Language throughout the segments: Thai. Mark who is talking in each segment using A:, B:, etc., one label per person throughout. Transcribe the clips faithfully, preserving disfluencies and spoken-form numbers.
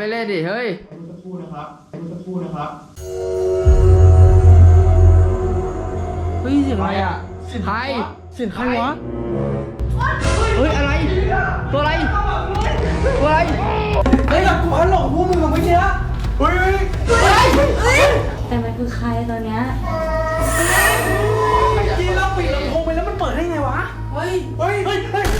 A: ไม่เล่นดิเฮ้ย
B: จะพูดนะครับจะพูดนะครับ
A: เฮ้ยเสียงอะไรอ่ะใครเสียงใครวะเฮ้ยอะไรตัวอะไรตัวอะไร
B: เฮ้ยกูพันหลงพวกมึงไม่ใช่เฮ้ยเฮ้ย
C: แต่มันคือใครตอนเนี้ย
B: ยี่เราปิดลำโพงไปแล้วมันเปิดได้ไงวะเฮ้ยเฮ้ยเฮ้ยเฮ้ย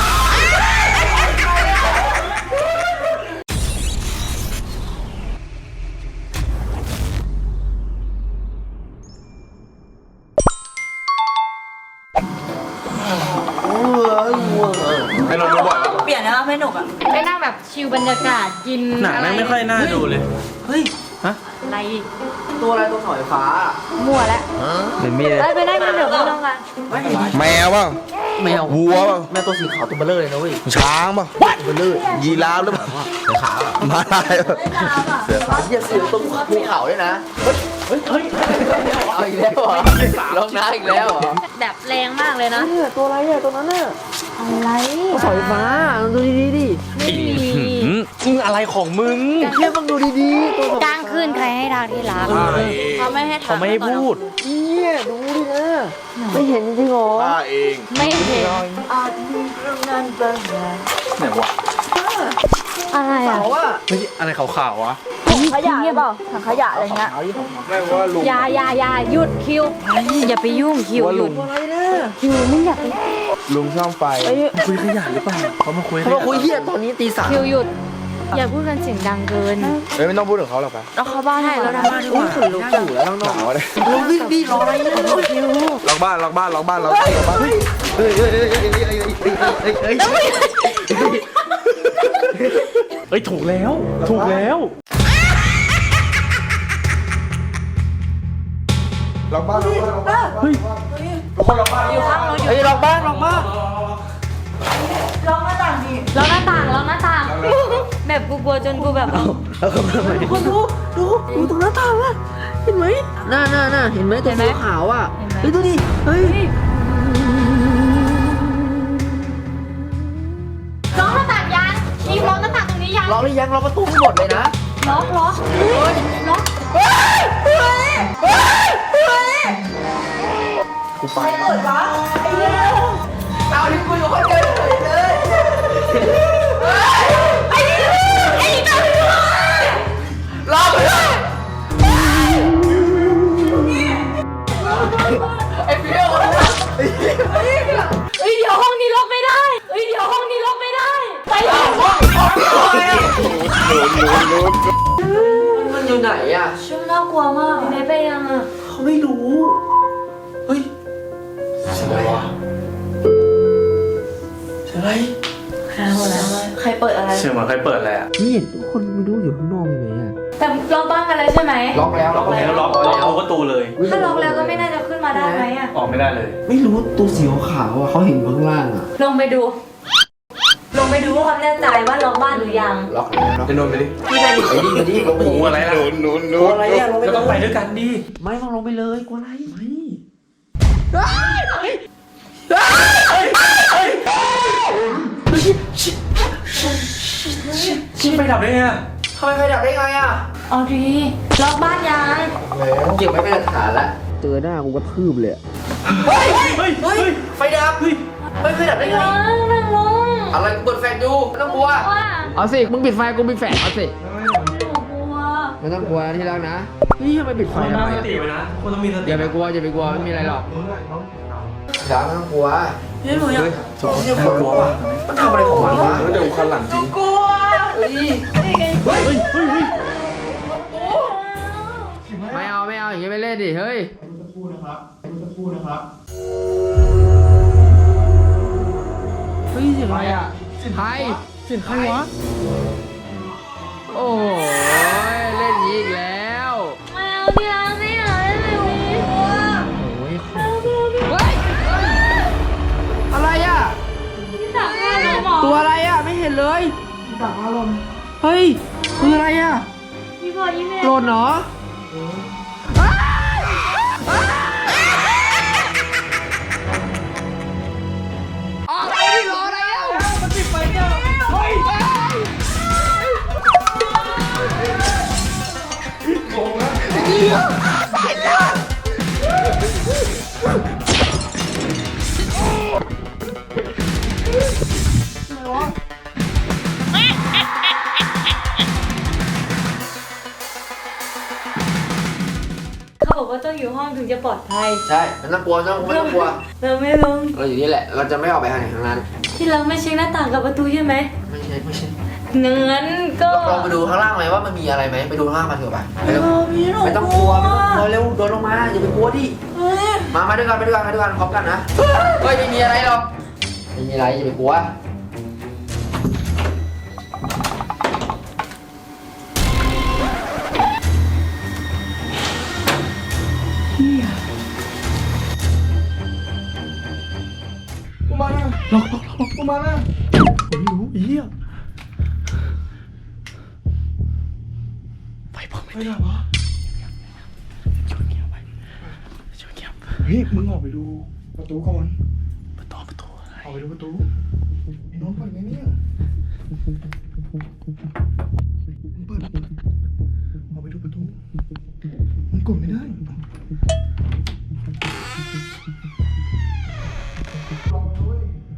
D: ให้เราดูบ่อยปะ
C: เปลี่ยนนะไม่หนุกอ่ะไปนั่งแบบชิลบรรยากาศกิน
D: หนังไม่ค่อยน่าดูเลยเฮ้ยฮะ
C: อะไร
A: ตัวอะไรตัวเสาไฟฟ้า
C: มั่วแล้ว
D: เป็นมีด
C: ไปไปนั่งกันเดี๋ยวไปน้องกัน
D: แมวป่ะ
A: แมว
D: วัวป่ะ
A: แมวตัวสีขาวตัวเบลเลอร์เลยนะเว้ย
D: ช้างป่ะ
A: ตัวเบลเลอร์
D: ยีราฟหรือเปล่าขามาลาย
A: เสือขาเสือเสือตรงภูเขาด้วยนะเฮ้ยเฮ้ยเอาอีกแล้วเหรอลงน้ำอีกแล้วเหรอ
C: แบบแรงมากเลยนะ
A: ตัวอะไรอ่ะตัวนั้นน่ะ
C: อะไร
A: ตัวเสาไฟฟ้าดูดีๆดิ
C: ไม่มี
D: มึงอะไรของมึง
A: เชื่อมึงดูดีๆตัว
C: กลางคืนใครให้ทางที่รักเขาไม่ให้
D: เขาไม่ให้พูด
A: เนี่ยดูดินะไม่เห็นจริงๆหรอ
D: ข้าเอง
C: ไม่เห็น
A: อาจมีเรื่องนั้นบางอย่าง
D: ไหนวะ
C: อะไรอ่ะ
D: ไม่ใช่อะไรขาวๆวะ
C: ขยะเปล่าถังขยะอะไรเงี้ย
D: ไม่ว่าลุง
C: อย่าอย่าอย่าหยุดคิวอย่าไปยุ่งคิวหยุด
A: อะไรเนี่ย
C: คิวมึงอย่าไป
D: ลุงช่องไฟคุยขยะหรือเปล่าเขามาคุย
A: เขามาคุยเฮียตอนนี้ตีสาม
C: คิวหยุดอย่าพูดกันเสียงดังเกิน
D: เฮ้ยไม่ต้องพูดถึงเขาหรอกปะ
C: แล้วเขาบ้านให้แล้วนะบ้าน
A: อุ้ยขนลุกอยู่แล้วน้องๆเลยลุงวิ่งดิรออะไรเนี่ยคิว
D: ล็อกบ้านล็อกบ้านล็อกบ้านล็อกบ้านล็อกบ้านเฮ้ยเฮ้ยเฮ้ยเฮ้ยเฮ้ยเฮ้ยเฮ้ยเฮ้ยเฮ้ยถูกแล้วถูกแล้วล็อกบ้านล็อกบ้านล็อกบ้านเฮ้ยทุกคนล็อกบ้าน
C: อยู่ข้างรถอยู่
A: เฮ้ยล็อกบ้านล็อกบ้าน
C: ล็อกหน้าต่างดิล็อกหน้าต่างล็อกหน้าต่างแบบกูกลัวจนกูแบบ
A: คนดูดูดูตรงหน้าต่างอ่ะเห็นไหมน่าน่าน่าเห็นไหมตัวสีขาวอ่ะเฮ้ยดูดิเฮ้ย
C: ล็อกหน้าต่างยังมีล็อกหน้าต่างตรงนี้ยัง
A: ล็อกหรือยังล็อกประตูให้หมดเลยนะ
C: ล็อกล็อกเฮ้ยล็อกเฮ้ยเฮ้ยเฮ้ยเฮ้ย
A: กูไปเปิดวะไอ้เหี้ยเอาดิคุยกับคนเจอเลย
C: ไอ้นี่ไอ้นี่ตามไปด้วย
A: รอไปเลยไอ้เปี้ยว
C: เฮ้ยเดี๋ยวห้องนี้ล็อกไม่ได้เฮ้ยเดี๋ยวห้องนี้ล็อกไม่ได้ไปเลย
A: มันอยู่ไหนอ่ะ
C: ช่างน่ากลัวมากไม่ไปยังอ่ะ
A: เขาไม่รู้เฮ้ยเสียงอะไรวะเสียงอะไร
C: ใครเปิดอะไร
D: เสียงเหมือนใครเปิดอะไรอ่ะ
A: นี่ทุกคนไม่รู้อยู่ข้างนอกมีไหมอ่ะ
C: แต่ล็อกบ้านกันแล้วใช่ไหม
A: ล็อกแล้ว
D: ล็อกแล้วล็อกล็อกประตูเลย
C: ถ้าล็อกแล้วก็ไม่น่าจะขึ้นมาได้ไหมอ่ะ
D: ออกไม่ได้เลย
A: ไม่รู้ตัวสีขาวอ่ะเขาเห็นข้างล่างอ่ะ
C: ลงไปดูลงไปดูความแน่ใจว่าล็อกบ้านหรือยัง
A: ล็อกแล้ว
D: จะโดนไปดิ
C: พี่ไปดิ
A: ไปดิไปดิลงไปดิ
D: อะไรล่ะโดนโดนโดน
A: อะไรอ่ะลงไป
D: ก็ต้องไปด้วยกันดิ
A: ไม่ต้องลงไปเลยกลัวอะไรไม่
D: ชิบไปดับได้ไง
A: ทำไมไฟดับได้ไงอ่ะ
C: เอาดีล็อกบ้านยัง
A: เก็บไว้เป็นหลักฐานละเจอหน้ากูกระทืบเลยเฮ้ยเฮ้ยเฮ้ยไฟดับเฮ้ยไฟดับได้ไง
C: นั่งลง
A: อะไรกูเปิดแฟลชดูไม่ต้องกลัวเอาสิมึงปิดไฟกูปิดแฟลชเอาสิไม่ต้องกลัวที่รักนะนี่ทำไมปิดไฟทำไมอ่ะอย่าไปกลัวอย่าไปกลัวไม่มีอะไรหรอกจ๋าไม่ต้องกลัว
C: เฮ้ยหนูอยาก
A: สองเนี่ยกลัวป่ะมันทำอะไรของมันวะ
D: เดี๋ยวคันหลังจริง
C: กลัว
A: เฮ้ยเฮ้ยเฮ้ยเฮ้ยไม่เอาไม่เอาอย่างนี้ไม่เล่นดิเฮ้ย
B: จะพูดนะครับจะพูดนะครับ
A: เฮ้ยเสียงอะไรอ่ะใครเสียงใครวะโอ้ยเล่นอีกแล้ว
C: ไม่เอาพี่อาไม่เอาเล่นแบบนี้โ
A: อ้ยเฮ้ยอะไรอ่ะตัวอะไรอ่ะไม่เห็นเลยดักอารมณ์เฮ้ยคืออะไรอ่ะ
C: พี่พอยิ้มเลย
A: โกรธเหรอออกไปดิรออะไรอ่ะมันปิดไฟเนี่ยเฮ้ย
C: เขาบอกว่าต้องอยู่ห้องถึงจะปลอดภัย
A: ใช่มันต้องกลัวต้องไม่ต้องกลัว
C: เราไม่ลง
A: เราอยู่นี่แหละเราจะไม่ออกไปทางไหนทางนั้น
C: ที่เราไม่เช็คหน้าต่างกับประตูใช่ไหม
A: ไม่ใช่ไม่ใช่
C: งั้นก็
A: ลองไปดูข้างล่างไหมว่ามันมีอะไรไหมไปดูข้างล่างมาเถอะไปไปเร็วไม่ต้องกลัวไม่ต้องกลัวเร็วโดนลงมาอย่าไปกลัวดิมามาด้วยกันไปด้วยกันไปด้วยกันพร้อมกันนะเฮ้ยไม่มีอะไรหรอกไม่มีอะไรอย่าไปกลัว
B: กูมาแล้วล็อกล็อกล็อกกูมาแล้วผมไม่รู้อีอ่ะไปบอกไม่ได้วะชวนเงียบไปชวนเงียบเฮ้ยมึงออกไปดูประตูก่อนประตูประตูอะไรออกไปดูประตูไอ้น้องเปิดไงเนี่ยมึงเปิดออกไปดูประตูมันกดไม่ได้ลองด้วย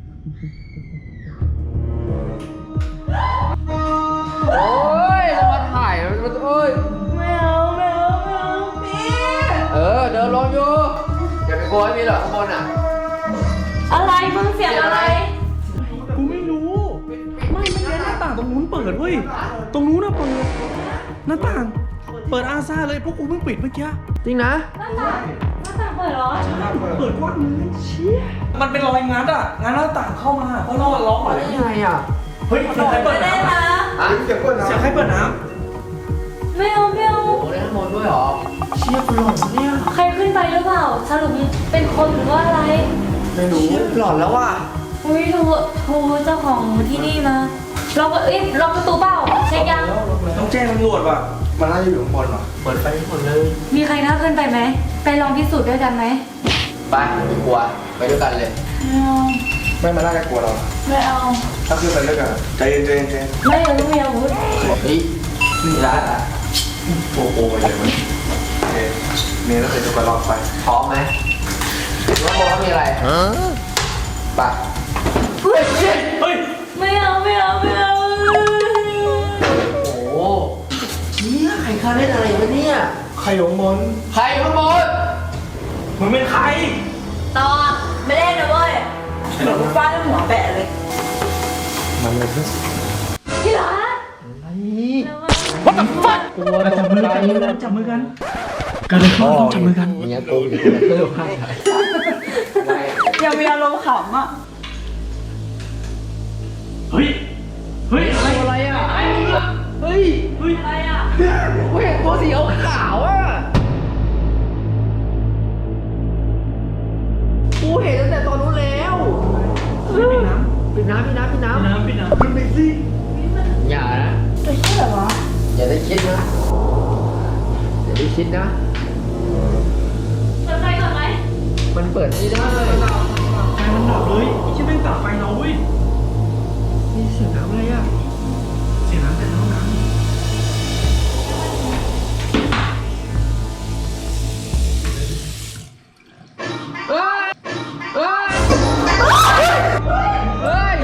A: โอ้ยจะมาถ่ายมันเอ้ย
C: ไม่เอาไม่เอาไม่เอาพี่
A: เออเดินลงอยู่อย่าไปกลัวไม่มีหรอกข้างบนอ่ะ
C: อะไรมึงเสียงอะไร
B: กูไม่รู้ ไม่ไม่ใช่หน้าต่างตรงนู้นเปิดเว้ย ตรงนู้นน่ะเปิด หน้าต่าง เปิดอาซาเลยพวกกูเพิ่งปิดเมื่อกี้
A: จริงนะ
C: หน้าต่างหน้าต่างเปิดเหรอ
B: เปิดกว้างเลยเชี่ยมันเป็นรอยงัดอ่ะงัดหน้าต่างเข้ามาเพราะเราล็อกไว้
A: ยังไงอ่ะ
B: เฮ้ยเสียงใครเปิด
C: ไม่ได้
B: น้ำ
C: นะ
A: อ่ะ
B: เสียงใครเปิดน้
C: ไม่เอาไม่เอา
A: โอ้ได้ข้างบนด้วยเหรอเชี่ยกูหลอนเนี่ย
C: ใครขึ้นไปหรือเปล่าสรุปเป็นคนหรือว่าอะไร
A: ไม่รู้หลอนแล้วว่ะ
C: อุ้ยโทรโทรเจ้าของที่นี่มาล็อกเอ้ยล็อกประตูเปล่าเช็คยัง
B: ำต้องแจ้งตำรวจว่ะ มันน่าจะอยู่ข้างบนว่ะ
A: เปิดไฟให้หมดเลย
C: มีใครน่าขึ้นไปไหมไปลองพิสูจน์ด้วยกันไหม
A: ไปไม่กลัวไปด้วยกันเลย
C: ไม่เอา
B: ไม่มาน่าจะกลัวเรา
C: ไม่เอา
B: ถ้าขึ้นไปด้วยกันใจเย็นใจเย็นใจเย็น
C: ไม่เอาไม่เอาวุ้ย
A: เฮ้ยนี่ร้านอ่ะ
B: โอ้โหไปเลยมันโอเคเมย์ต้องไปดูกันรอบไป
A: พร้อมไหมว่าบอกว่ามีอะไรไปเฮ้ยเฮ้ย
B: เฮ้ย
C: ไม่เอาไม่เอาไม่เอา
A: โอ้โหเนี่ยใครคาเล่นอะไรวะเนี่ย
B: ใครอยู่ข้างบน
A: ใครข้างบน
B: มึงเป็นใคร
C: ตอนไม่เล่นนะเว้ยหนูฟาดหัวแปะเลย
B: มันเลยเพื่อน
C: ที่รัก
A: อะไร
C: แล้วว่า
A: What the fuck กลัวตกใจเลย
B: จับมือกันกันเลยเขาต้องจับมือกัน
A: เนี่ยกูอยู่ที่เพิ่มให้
C: ยังมีอารมณ์ขำอ่ะ
B: เฮ้ย เฮ้ย อะไร
A: อะไรอ่ะเฮ้ย
B: เฮ้ย
C: อะไรอ่ะ
A: กูเห็นตัวสีขาวๆอ่ะกูเห็นตั้งแต่ตอนนู้นแล้ว
B: ปิดน้
A: ปิดน้ำปิดน้ำปิดน้
B: ำน้ำปิดน้ำขึ้นไปสิ
A: ำอย่านะ
C: จะเชื่อเหรอ
A: อย่าได้คิดนะอย่าได้คิดนะ
C: เปิดไฟก่อนไหม
A: มันเปิดไม่ได้
B: ไฟมันดับเลยใช่ไหมตัดไฟเราเว้ย
A: มีเสียงน้ำอะไรอ่ะ
B: เสียงน้ำแต่ห้องน้ำ
A: เฮ้ย เฮ้ย เฮ้ย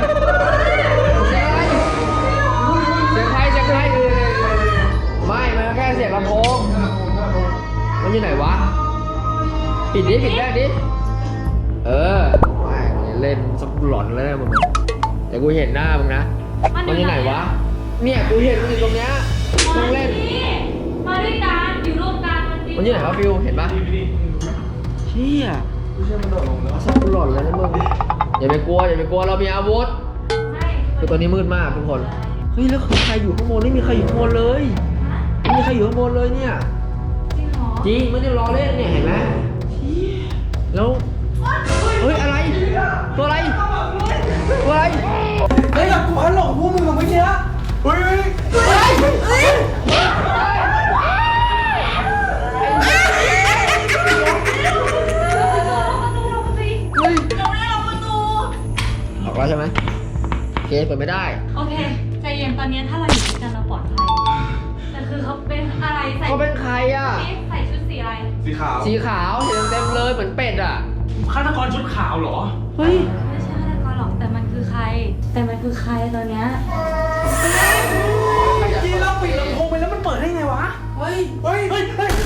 A: เสียงใครเสียงใครเสียงใครไม่ มันแค่เสียงลำโพง มันอยู่ไหนวะ ปิดดิ ปิดได้ดิ เออไม่เล่นสักหลอนแล้วนะมึงเดี๋ยวกูเห็นหน้ามึงนะ มันอยู่ไหนวะ เนี่ยกูเห็นมันอยู่ตรงเนี้ยมึงเล่น
C: มาด้วยกันอยู่ร่วมกันมันดี
A: มันอยู่ไหนวะฟิว เห็นปะเชี่ย
B: ไม่ใช่มันโดดลงแล้ว
A: สักหลอนแล้วนะมึง อย่าไปกลัว อย่าไปกลัว เรามีอาวุธ
C: ไม่
A: คือตอนนี้มืดมากทุกคน เฮ้ย แล้วคือใครอยู่ข้างบนไม่มีใครอยู่ข้างบนเลยไม่มีใครอยู่ข้างบนเลยเนี่ย
C: จริงเหรอ
A: จริงไม่ได้ล้อเล่นเนี่ยเห็นไหมแล้ว เฮ้ยอะไร ตัวอะไร ตัวอะไร
B: เฮ้ยกูหันหลงพวกมึงเมื่อกี้เฮ้ย
A: เฮ้ยเฮ้ยออกแล้วใช่ไหมโอเคเปิดไม่ได้
C: โอเคใจเย็นตอนนี้ถ้าเราอยู่ด้วยกันเราปลอดภัยแต่คือเขาเป็นอะไรใส่
A: เขาเป็นใครอ่ะ
C: ใส่ชุดสีอะไร
B: สีขาว
A: สีขาวเห็นเต็มๆเลยเหมือนเป็ดอ่ะ
B: ฆาตกรชุดขาวเหรอ
A: เฮ้ย
C: ไม่ใช่ฆาตกรหรอกแต่มันคือใครแต่มันคือใครตอนเนี้ย
B: ยี่เราปิดลำโพงไปแล้วมันเปิดได้ไงวะ เฮ้ย เฮ้ย เฮ้ย เฮ้ย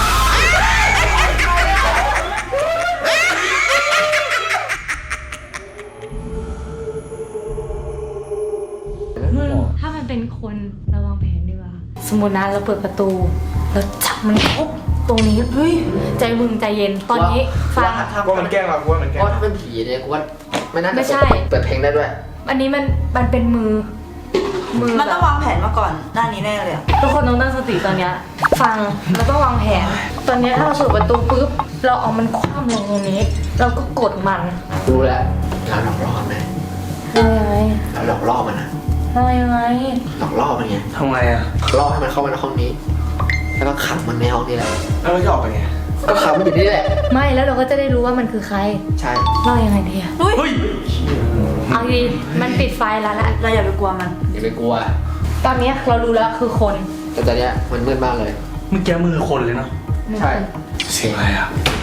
C: มึงถ้ามันเป็นคนระวังแผนดีกว่า สมมตินะเราเปิดประตูแล้วจับมันครบตรงนี้เฮ้ยใจมึงใจเย็นตอนนี้ฟัง
D: กูว่ามันแกล้งเรากูว่ามันแกล้ง
A: เพราะถ้าเป็นผีเนี่ยกูว่าไม่น่าจะ
C: ไม่ใช่
A: เปิดเพลงได้ด้วย
C: อันนี้มันมันเป็นมือ มือ
E: มันต้อง
C: แบบ
E: วางแผนมาก่อนหน้านี้แน่เลยอะ
C: ทุกคนต้องตั้งสติตอนเนี้ยฟังเราต้องวางแผน ตอนเนี้ยถ้าเราเปิดประตูปุ๊บเราเอามันคว่ำลงตรงนี้ เราก็กดมัน
A: ดูแหละเราหลอกล่อมันไหม
C: เรายังไง
A: เราหลอกล่อมันนะ
C: เรายังไง
A: หลอกล่อมันไง
B: ทำไงอะ
A: ล่อให้มันเข้ามาในห้องนี้ แล้วก็ขังมันในห้องนี้แหละ
B: แล้วเราจะออกไปไง
A: ก็ขังมันอยู่นี่แหละ
C: ไม่แล้วเราก็จะได้รู้ว่ามันคือใคร
A: ใช่
C: เรายังไงดีอะ
B: เฮ้ย
C: เอาดีมันปิดไฟแล้วแหละ
E: เราอย่าไปกลัวมัน
A: อย่าไปกลัว
C: ตอนเนี้ยเรารู้แล้วคือคน
A: แต่ตอนเนี้ยมันมืดมากเลย
B: เมื่อกี้มือคนเลยเนาะ
A: ใช่
B: เสียงอะไรอะ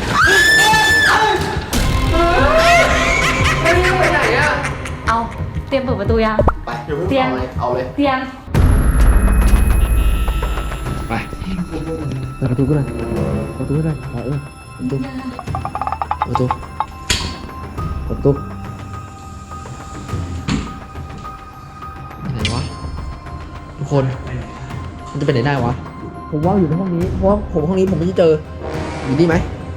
A: ไปไหนอ่ะ
C: เอาเตรียมเปิดประตูยัง
A: ไป
C: เตรียม
A: เอาเลยเอาเลย
C: เตรียม
A: ไปเปิดประตูก็ได้ประตูก็ได้เออประตูประตูประตูไหนวะทุกคนมันจะเป็นไหนได้วะผมว่าอยู่ในห้องนี้เพราะว่าผมห้องนี้ผมไม่ได้เจออยู่นี่ไหม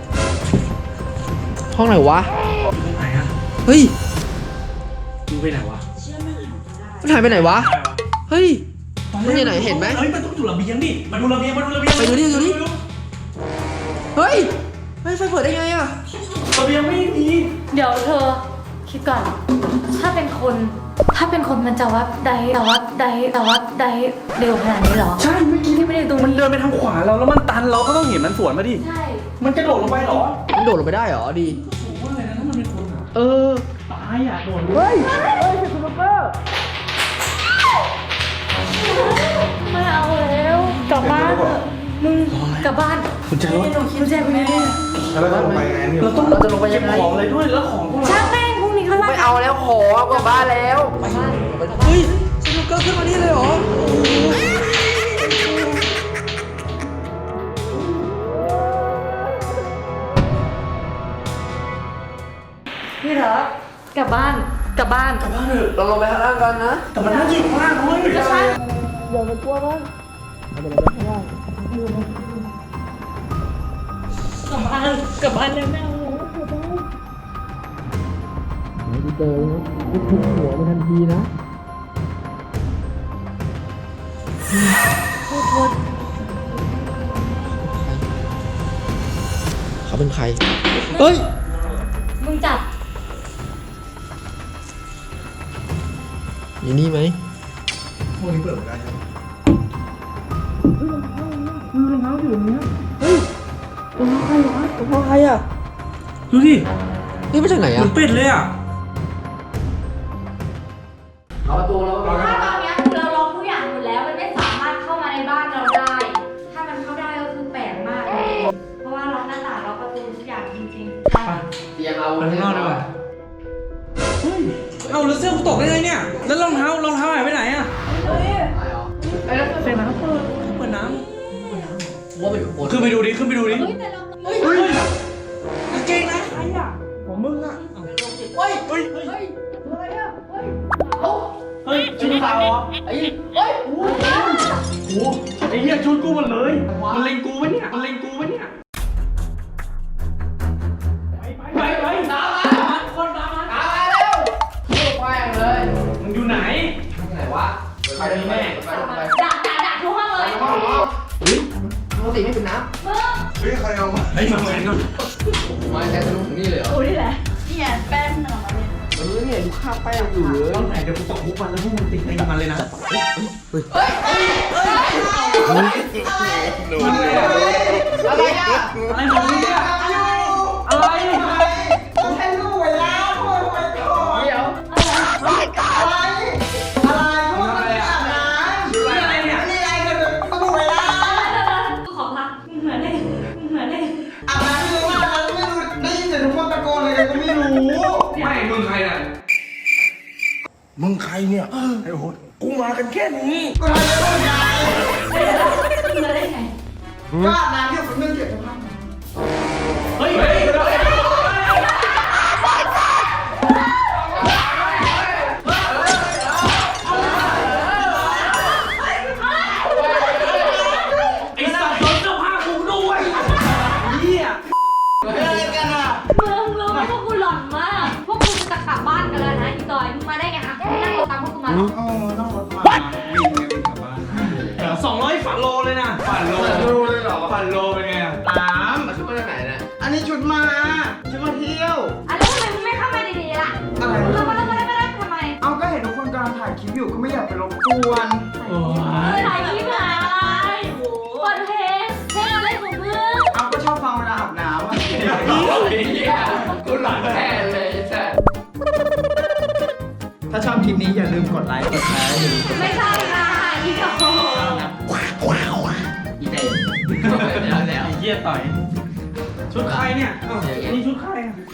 A: ห้องไหนวะ
B: ตรงไหนอะ
A: เฮ้ย
B: ดูไปไหนวะ
A: มันหายไปไหนวะเฮ้ยมันอยู่ไหนเห็นไหม
B: เฮ้ย มันต้องอยู่ระเบียงดิ มาดูระเบียง มาดูระเบียง
A: ไปดูดิดูดิ เฮ้ยเฮ้ยไฟเปิดได้ไงอะ
B: ระเบียงไม่มี
C: เดี๋ยวเธอคิดก่อน ถ้าเป็นคน ถ้าเป็นคนมันจะวัดใดแต่วัดใดแต่วัดใดเร็วขนาดนี้เหรอ
B: ใช่เมื่อกี้
C: ที่ไม่ได้ตรง
B: มัน
C: นี้
B: เดินไปทางขวาเราแล้วมันตันเราก็ต้องเห็นมันสวนมาดิ
C: ใช่
B: มันกระโดดลงไปเหรอ
A: มันโดดลงไปได้เหรอดี
B: สูงมากเลยนะถ้ามันเป็นคนอะ
A: เออ
B: ตายอ่ะโดน
A: เฮ้ย เฮ้ยเป็นซูเปอร์
C: ไม่เอาแล้วกลับบ้านเถอะมึงกลับบ้าน
B: คุณใจรถ
C: คุณแจคุณยังไง
D: แล้วเราจะลงไปยังไงเนี่ย
B: เราต้อง
A: เราจะลงไปยังไง
B: เก็บของอะไรด้วย แล้วของพวกเรา
C: ช่างแม่งพรุ่งนี้เขาว่า
A: ไม่เอาแล้วขอกลับบ้านแล้ว
C: กลับบ้าน
A: เฮ้ยสนุกเกอร์ขึ้นมานี่เลยเหรอ
C: พี่เถอะกลับบ้านกลับบ้าน
B: กลับบ้านเถอะ
A: เราลงไปข้างล่างกันนะ
B: แต่มันน่าจะอยู่ข้างล่างด้วย
C: ก็ใช่
A: อย่าไปกลัวมันเราไปลงไปข้างล่าง
C: กลับบ้านกลับบ้านเลยแม่
A: ไม่ได้เจอนะทุบหัวมันทันทีนะ
C: โทษโทษ
A: เขาเป็นใคร เฮ้ย
C: มึงจับ
A: อยู่นี่ไหม
D: พวกนี้เปิดไม่ได้ใช่ไหม
A: รองเท้าใครอ่ะ
B: ดูดิ
A: นี่มาจากไหน
B: เห
A: อ่ะ
B: มือนเป็ดเลยอ่ะ
A: เอาประตูแล้ว
C: ถ้าตอนเนี้ยคือเราล็อกทุกอย่างหมดแล้วมันไม่สามารถเข้ามาในบ้านเราได้ ถ้ามันเข้าได้ก็คือแปลกมากเลยเพราะว่าล็อกหน้าต่างล็อกประตูทุกอย่างจริงๆใช่
A: เตรียมเอา
B: ไปข้างนอกดีกว่า เฮ้ย เอาแล้วเสื้อกูตกได้ไงเนี่ย แล้วรองเท้ารองเท้าหายไปไหนอ่ะ
A: ไอ้แล้ว
B: เปิดน้ำเปิดเปิดน้
A: ว่ามันอยู่บน
B: ำขึ้นไปดูดิ ขึ้นไปดูดิ
C: เฮ้ยแต่เรา
B: เฮ้ยกางเกงในใครอ่ะ ของมึงอ่ะ
A: เฮ้ย
B: เฮ้ย เฮ้ย
A: เฮ้ยอะไรอ่ะเฮ้ยเอ้า
B: เฮ้ยชุดขาวเหรอ
A: ไอ้เฮ้ยโอ้โห
B: โอ้โหไอ้เหี้ยชุดกูหมดเลย มันเล็งกูปะเนี่ย มันเล็งกูปะเนี่ย ไปไปไป
A: ตามมาคนตามมาตามมาเร็วลูกแม่งเลย
B: มึงอยู่ไหน
A: ไหนวะไปเลยแม่ไปเลยไป
C: ด่าด่าด่าทุกห้องเลย
A: ห้องห้องเฮ้ยปกติไม่เป็นน้
C: มึง
D: เฮ้ยใครเอามา
B: ไอ้ยมาเหมือนกัน
A: ำมาแค่ทะลุถึงนี่เลยเหรอ
C: กูนี่แหละ
E: นี่ไงแป้งมันออกมาเนี่ย
A: เออเนี่ยดูข้าวแป้งอยู่เลย
B: ตอนไหนเดี๋ยวกูตกคุกมันแล้วพวกมึงติดในมันเลยนะ
A: อะไรอ่ะ
B: อะไรของมึงเนี่ยอะไร
E: แค่ลูกเวลาพ่อไปก่อน
A: เดี๋ยว
E: อะไรอะไรพ่อไปอาบน้ำ
B: อะไรเนี่ย
E: นี่อะไรกันลูกเวลา
C: ขอพักมึงเหมือนได้มึงเหมือนได้
E: อาบน้ำไม่รู้ว่าอะไรไม่รู้ได้ยินแต่ทุกคนตะโกนอะไรกันก็ไม่รู้
B: ไม่มึงใครน่ะ
D: มึงใครเนี่ยไอ้โหดกูมากันแค่นี้
E: ก็ทำได้ไง
C: มาได้ไง
E: ก็อาบน้ำอยู่คนนึงเดี๋ยวจะพัง
B: เฮ้ยเฮ้ยไอ้สัตว์โดนเสื้อผ้ากูด้วยเหี้ย
E: อะไรกันอ่ะ
C: มึงรู้ไหมพวกกูหลอนมาก พวกกูจะกลับบ้านกันแล้วนะอีจอยมึงมาได้ไงอ่ะนั่งรถตามพวกกูมาเหรอ
E: โอ้ต้องรถมาบินไงบินกลับบ้าน
B: สองร้อยฝันโลเลยนะฝันโล
A: รู้เลยเหรอ
B: ฝันโลเป็นไงอะ
E: ตาม
A: มาชุดมาจากไหนเนี่ย
E: อันนี้ชุดมาชุดมาเที่ยว
C: อ่ะแล้วทำไมมึงไม่เข้ามาดีๆล่ะ
E: อะไร
C: เรามาแล้วมาได้มาได้ทำไม
E: เอาก็เห็นทุกคนกำลังถ่ายคลิปอยู่ก็ไม่อยากไปรบกวน
B: โอ้
C: ถ่ายคลิปอะไรเปิดเพลงเพลงอะไรของมึง
E: เอาก็ชอบฟังเวลาอาบน้ำอ่ะ
A: กูหลอนแท้เลยใช่
E: ถ้าชอบคลิปนี้อย่าลืมกดไลค์กดแชร์อย่าลืมกด
C: ไม่ใช่ค่ะอีกโ
A: อีเต้แล้วแล้ว
B: ไอ้เหี้ยต่อย ชุดใครเนี่ยอ้าวนี่ชุดใครอะ